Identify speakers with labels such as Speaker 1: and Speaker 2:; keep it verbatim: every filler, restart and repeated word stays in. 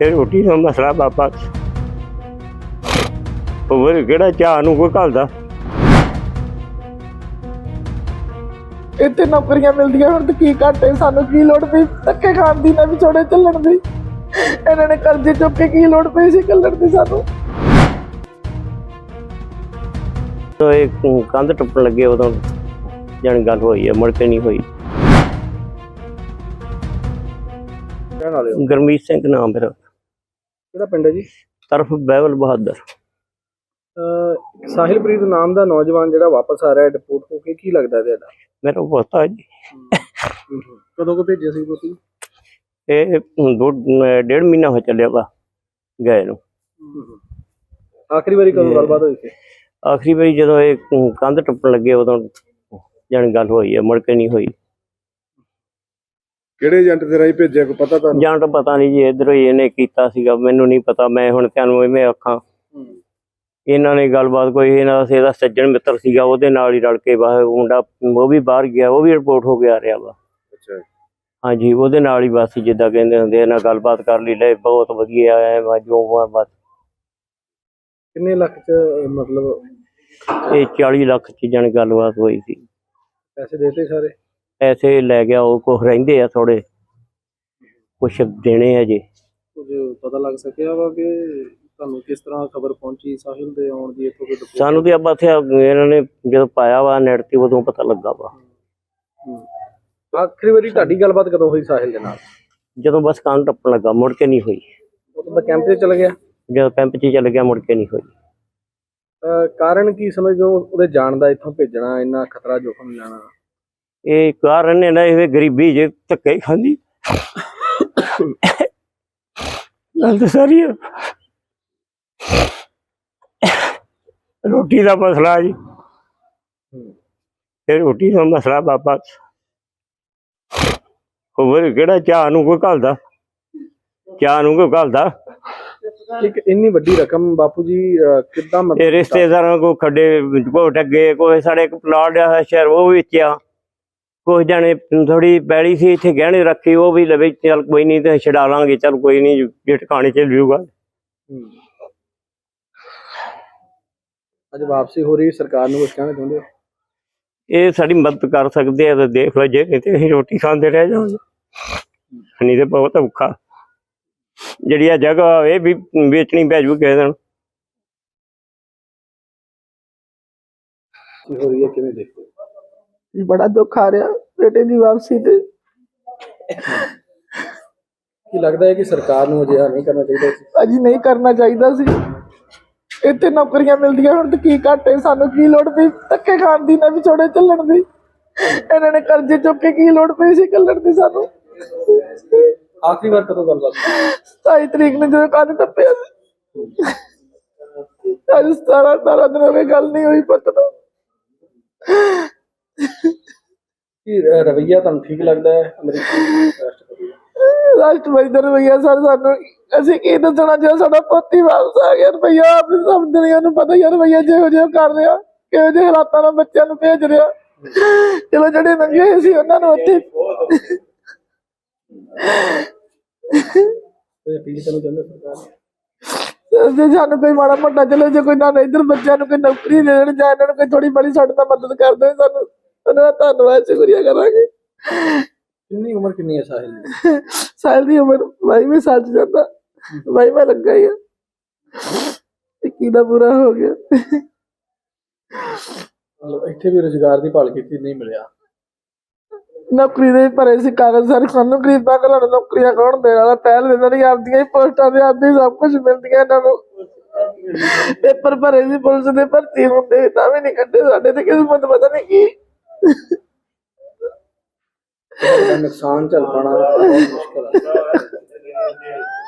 Speaker 1: ਇਹ ਰੋਟੀ ਦਾ ਮਸਲਾ ਬਾਬਾ ਹੋਰ ਕਿਹੜਾ ਚਾਹ ਨੂੰ ਕੋਈ ਘਲਦਾ।
Speaker 2: ਇੱਥੇ ਨੌਕਰੀਆਂ ਮਿਲਦੀਆਂ ਹੁਣ ਤੇ ਕੀ ਘਾਟੇ, ਸਾਨੂੰ ਕੀ ਲੋੜ ਪਈ ਧੱਕੇ ਖਾਣ ਦੀ ਨਾ ਵਿਛੋੜੇ ਚੱਲਣ ਦੀ। ਇਹਨਾਂ ਨੇ ਕਰਜ਼ੇ ਚੁੱਕ ਕੇ ਕੀ ਲੋੜ ਪਈ ਸੀ ਕੱਲਣ ਦੀ ਸਾਨੂੰ।
Speaker 1: ਤੋ ਇਹ ਕੰਧ ਟੁੱਟਣ ਲੱਗੇ ਉਦੋਂ ਜਾਣੀ ਗੱਲ ਹੋਈ ਹੈ, ਮੁੜ ਕੇ ਨਹੀਂ ਹੋਈ।
Speaker 2: ਕਹਿਣ ਵਾਲੇ ਹੋ?
Speaker 1: ਗੁਰਮੀਤ ਸਿੰਘ ਨਾਮ ਮੇਰਾ,
Speaker 2: ਕਿਹੜਾ ਪਿੰਡ ਹੈ ਜੀ?
Speaker 1: ਤਰਫ ਬਹਿਬਲ ਬਹਾਦਰ।
Speaker 2: ਸਾਹਿਲਪ੍ਰੀਤ ਨਾਮ ਦਾ ਨੌਜਵਾਨ ਜਿਹੜਾ ਵਾਪਸ ਆ ਰਿਹਾ ਡਿਪੋਰਟ ਹੋ ਕੇ, ਕੀ ਲੱਗਦਾ ਤੁਹਾਡਾ?
Speaker 1: ਮੇਰਾ ਪੋਤਾ ਜੀ।
Speaker 2: ਕਦੋਂ ਕੋ ਭੇਜਿਆ ਸੀ ਤੁਸੀਂ?
Speaker 1: ਇਹ ਦੋ ਡੇਢ ਮਹੀਨਾ ਹੋ ਚੱਲਿਆ ਵਾ ਗਏ ਨੂੰ।
Speaker 2: ਆਖਰੀ ਵਾਰੀ ਕਦੋਂ ਗੱਲਬਾਤ ਹੋਈ ਸੀ?
Speaker 1: ਆਖਰੀ ਵਾਰੀ ਜਦੋਂ ਇਹ ਕੰਧ ਟੁੱਟਣ ਲੱਗੇ ਉਦੋਂ ਜਾਣੀ ਗੱਲ ਹੋਈ ਹੈ, ਮੁੜ ਕੇ ਨਹੀਂ ਹੋਈ।
Speaker 2: ਕਿਹੜੇ ਏਜੰਟ ਦੇ ਰਾਹੀਂ ਭੇਜਿਆ ਕੋਈ ਪਤਾ ਤੁਹਾਨੂੰ?
Speaker 1: ਜਾਂ ਤਾਂ ਪਤਾ ਨਹੀਂ ਜੀ, ਇੱਧਰੋਂ ਹੀ ਇਹਨੇ ਕੀਤਾ ਸੀਗਾ, ਮੈਨੂੰ ਨਹੀਂ ਪਤਾ। ਮੈਂ ਹੁਣ ਤੁਹਾਨੂੰ ਇਵੇਂ ਆਖਾਂ, ਇਹਨਾਂ ਨੇ ਗੱਲਬਾਤ ਕੋਈ ਇਹਨਾਂ ਦਾ ਇਹਦਾ ਸੱਜਣ ਮਿੱਤਰ ਸੀਗਾ, ਉਹਦੇ ਨਾਲ ਹੀ ਰਲ ਕੇ ਬਾਹਰ ਮੁੰਡਾ ਉਹ ਵੀ ਬਾਹਰ ਗਿਆ, ਉਹ ਵੀ ਰਿਪੋਰਟ ਹੋ ਕੇ ਆ ਰਿਹਾ ਵਾ।
Speaker 2: ਅੱਛਾ,
Speaker 1: ਹਾਂਜੀ, ਉਹਦੇ ਨਾਲ ਹੀ ਬਸ ਜਿੱਦਾਂ ਕਹਿੰਦੇ ਹੁੰਦੇ ਇਹਨਾਂ ਗੱਲਬਾਤ ਕਰ ਲਈ, ਲੈ ਬਹੁਤ ਵਧੀਆ ਹੈ ਜੋ ਬਸ।
Speaker 2: ਕਿੰਨੇ ਲੱਖ ਚ ਮਤਲਬ
Speaker 1: ਇਹ ਚਾਲੀ ਲੱਖ ਚ ਜਾਣੀ ਗੱਲਬਾਤ ਹੋਈ ਸੀ।
Speaker 2: ਪੈਸੇ ਦੇਤੇ ਸਾਰੇ?
Speaker 1: ਪੈਸੇ ਲੈ ਗਿਆ ਉਹ, ਕੁਛ ਰਹਿੰਦੇ ਆ ਥੋੜੇ, ਕੁਛ ਦੇਣੇ ਆ ਜੀ।
Speaker 2: ਕੁਝ ਪਤਾ ਲੱਗ ਸਕਿਆ ਵਾ ਕਿ ਤੁਹਾਨੂੰ ਕਿਸ ਤਰ੍ਹਾਂ ਖਬਰ ਪਹੁੰਚੀ ਸਾਹਿਲ ਦੇ ਆਉਣ ਦੀ? ਇੱਥੋਂ ਕੋਈ
Speaker 1: ਸਾਨੂੰ ਤੇ ਆਪਾਂ ਇੱਥੇ ਇਹਨਾਂ ਨੇ ਜਦੋਂ ਪਾਇਆ ਵਾ ਨੈਟ ਤੇ ਉਦੋਂ ਪਤਾ ਲੱਗਾ ਵਾ।
Speaker 2: ਆਖਰੀ ਵਾਰੀ ਤੁਹਾਡੀ ਗੱਲਬਾਤ ਕਦੋਂ ਹੋਈ ਸਾਹਿਲ ਦੇ ਨਾਲ?
Speaker 1: ਜਦੋਂ ਬਸ ਕੰਨ ਟੱਪਣ ਲੱਗਾ, ਮੁੜ ਕੇ ਨਹੀਂ ਹੋਈ।
Speaker 2: ਉਦੋਂ ਤਾਂ ਕੈਂਪ 'ਚ ਚਲ ਗਿਆ?
Speaker 1: ਜਦੋਂ ਕੈਂਪ 'ਚ ਚੱਲ ਗਿਆ, ਮੁੜ ਕੇ ਨਹੀਂ ਹੋਈ।
Speaker 2: ਕਾਰਨ ਕੀ ਸਮਝਦੇ ਹੋ ਉਹਦੇ ਜਾਣ ਦਾ, ਇੱਥੋਂ ਭੇਜਣਾ, ਇੰਨਾ ਖਤਰਾ ਜੋਖਮ ਲੈਣਾ?
Speaker 1: ਇਹ ਕਾਰਨ ਇਹਨਾਂ ਇਹ ਗਰੀਬੀ ਜੇ ਧੱਕੇ ਖਾਂਦੀ ਗੱਲ ਤਾਂ ਸਾਰੀ ਆ। ਰੋਟੀ ਦਾ ਮਸਲਾ ਜੀ, ਇਹ ਰੋਟੀ ਦਾ ਮਸਲਾ ਬਾਬਾ ਹੋਰ ਕਿਹੜਾ ਚਾਹ ਨੂੰ ਕੋਈ ਘਲਦਾ, ਚਾਹ ਨੂੰ ਕੋਈ ਘਲਦਾ।
Speaker 2: ਇੱਕ ਇੰਨੀ ਵੱਡੀ ਰਕਮ ਬਾਪੂ ਜੀ ਕਿੱਦਾਂ?
Speaker 1: ਇਹ ਰਿਸ਼ਤੇਦਾਰਾਂ ਕੋ ਖੱਡੇ ਕੋ ਟੱਗੇ, ਕੋਈ ਸਾਡੇ ਇੱਕ ਪਲਾਟ ਆ ਸ਼ਹਿਰ ਉਹ ਵੇਚਿਆ, ਕੁਛ ਜਾਣੇ ਥੋੜੀ ਪੈਲੀ ਸੀ ਇੱਥੇ ਗਹਿਣੇ ਰੱਖੀ, ਉਹ ਵੀ ਲਵੇ ਚੱਲ ਕੋਈ ਨਹੀਂ ਤੇ ਛਡਾ ਲਾਂਗੇ, ਚੱਲ ਕੋਈ ਨਹੀਂ ਜੇ ਟਿਕਾਣੇ ਚ ਲਿਊਗਾ।
Speaker 2: ਅੱਜ ਵਾਪਸੀ ਹੋ ਰਹੀ, ਸਰਕਾਰ ਨੂੰ ਕੁਝ ਕਹਿਣਾ ਚਾਹੁੰਦੇ ਹੋ?
Speaker 1: ਇਹ ਸਾਡੀ ਮਦਦ ਕਰ ਸਕਦੇ ਆ ਤਾਂ ਦੇਖ ਲਓ, ਜੇ ਨਹੀਂ ਤੇ ਅਸੀਂ ਰੋਟੀ ਖਾਂਦੇ ਰਹਿ ਜਾਵਾਂਗੇ, ਨਹੀਂ ਤੇ ਬਹੁਤ ਔਖਾ। ਜਿਹੜੀ ਆ ਜਗ੍ਹਾ ਇਹ ਵੀ ਵੇਚਣੀ ਪੈ ਜੂ ਕਿਸੇ ਦਿਨ।
Speaker 2: ਹੋ ਰਹੀ ਹੈ, ਕਿਵੇਂ ਦੇਖਦੇ ਹੋ? ਬੜਾ ਦੁੱਖ ਆ ਰਿਹਾ ਬੇਟੇ ਦੀ ਵਾਪਸੀ ਤੇ। ਕੀ ਲੱਗਦਾ ਹੈ ਕਿ ਸਰਕਾਰ ਨੂੰ ਅਜਿਹਾ ਨਹੀਂ ਕਰਨਾ ਚਾਹੀਦਾ ਸੀ? ਅਜੀ ਨਹੀਂ ਕਰਨਾ ਚਾਹੀਦਾ ਸੀ। ਇੱਥੇ ਨੌਕਰੀਆਂ ਮਿਲਦੀਆਂ ਹੁਣ ਤੇ ਕੀ ਘਾਟੇ, ਸਾਨੂੰ ਕੀ ਲੋੜ ਪਈ ਧੱਕੇ ਖਾਣ ਦੀ ਨਾ ਵਿਛੋੜੇ ਚੱਲਣ ਦੀ। ਇਹਨਾਂ ਨੇ ਕਰਜ਼ੇ ਚੁੱਕ ਕੇ ਕੀ ਲੋੜ ਪਈ ਸੀ ਕੱਲਣ ਦੀ ਸਾਨੂੰ। ਆਖਰੀ ਵਾਰ ਕਦੋਂ ਗੱਲਬਾਤ? ਸਤਾਈ ਤਰੀਕ ਨੂੰ ਜਦੋਂ ਕੰਨ ਟੱਪਿਆ ਸੀ। ਅੱਜ ਸਤਾਰਾਂ ਅਠਾਰਾਂ ਦਿਨ ਹੋ ਗਏ ਗੱਲ ਨਹੀਂ ਹੋਈ ਪੁੱਤ ਨੂੰ। ਕੀ ਰਵੱਈਆ ਤੁਹਾਨੂੰ ਠੀਕ ਲੱਗਦਾ ਹੈ ਅਮਰੀਕੀ ਰਾਸ਼ਟਰਪਤੀ ਦਾ? ਰਾਸ਼ਟਰਪਤੀ ਦਾ ਰਵੱਈਆ ਸਰ ਸਾਨੂੰ ਅਸੀਂ ਕੀ ਦੱਸਣਾ, ਜੇ ਸਾਡਾ ਪੁੱਤ ਹੀ ਵਾਪਸ ਆ ਗਿਆ। ਰਵੱਈਆ ਆਪ ਸਭ ਦੁਨੀਆ ਨੂੰ ਪਤਾ ਹੀ ਆ ਰਵੱਈਆ ਜਿਹੋ ਜਿਹਾ ਕਰ ਰਿਹਾ, ਕਿਹੋ ਜਿਹੇ ਹਾਲਾਤਾਂ ਨਾਲ ਬੱਚਿਆਂ ਨੂੰ ਭੇਜ ਰਿਹਾ। ਚਲੋ ਜਿਹੜੇ ਨੰਗੇ ਹੋਏ ਸੀ ਉਹਨਾਂ ਨੂੰ ਉੱਥੇ ਜੇ ਸਾਨੂੰ ਕੋਈ ਮਾੜਾ ਮੋਟਾ ਚਲੋ, ਜੇ ਕੋਈ ਨਾ ਇੱਧਰ ਬੱਚਿਆਂ ਨੂੰ ਕੋਈ ਨੌਕਰੀ ਦੇ ਦੇਣ ਜਾਂ ਇਹਨਾਂ ਨੂੰ ਕੋਈ ਥੋੜੀ ਬੜੀ ਸਾਡੇ ਨਾਲ ਮਦਦ ਕਰ ਦੇਣ, ਸਾਨੂੰ ਉਹਨਾਂ ਦਾ ਧੰਨਵਾਦ ਸ਼ੁਕਰੀਆ ਕਰਾਂਗੇ। ਕਿੰਨੀ ਉਮਰ ਕਿੰਨੀ ਹੈ ਸਾਹਿਲ ਦੀ? ਸਾਹਿਲ ਦੀ ਉਮਰ ਬਾਈਵੇਂ ਸਾਲ ਚ ਜਾਂਦਾ, ਬਾਈਵਾਂ ਲੱਗਾ ਹੀ ਆ। ਇੱਕੀ ਦਾ ਪੂਰਾ ਹੋ ਗਿਆ। ਮਤਲਬ ਇੱਥੇ ਵੀ ਰੁਜ਼ਗਾਰ ਦੀ ਭਾਲ ਕੀਤੀ, ਨਹੀਂ ਮਿਲਿਆ। ਨੌਕਰੀ ਦੇ ਭਰੇ ਸੀ ਕਾਗਜ਼ ਸਾਰੇ, ਸਾਨੂੰ ਗਰੀਬਾਂ ਘਰਾਂ ਨੂੰ ਨੌਕਰੀਆਂ ਕੌਣ ਦੇਣ ਵਾਲਾ? ਪਹਿਲ ਇਹਨਾਂ ਦੀ ਆਪਦੀਆਂ ਹੀ ਪੋਸਟਾਂ ਤੇ ਆਪਦੀ ਸਭ ਕੁਝ ਮਿਲਦੀਆਂ ਇਹਨਾਂ ਨੂੰ। ਪੇਪਰ ਭਰੇ ਸੀ ਪੁਲਿਸ ਦੇ, ਭਰਤੀ ਹੁੰਦੇ ਤਾਂ ਵੀ ਨਹੀਂ ਕੱਢੇ। ਸਾਡੇ ਤੇ ਕਿਸਮਤ ਪਤਾ ਨਹੀਂ ਕੀ ਨੁਕਸਾਨ ਝੱਲ ਪਾਉਣਾ ਬਹੁਤ ਮੁਸ਼ਕਿਲ ਹੈ।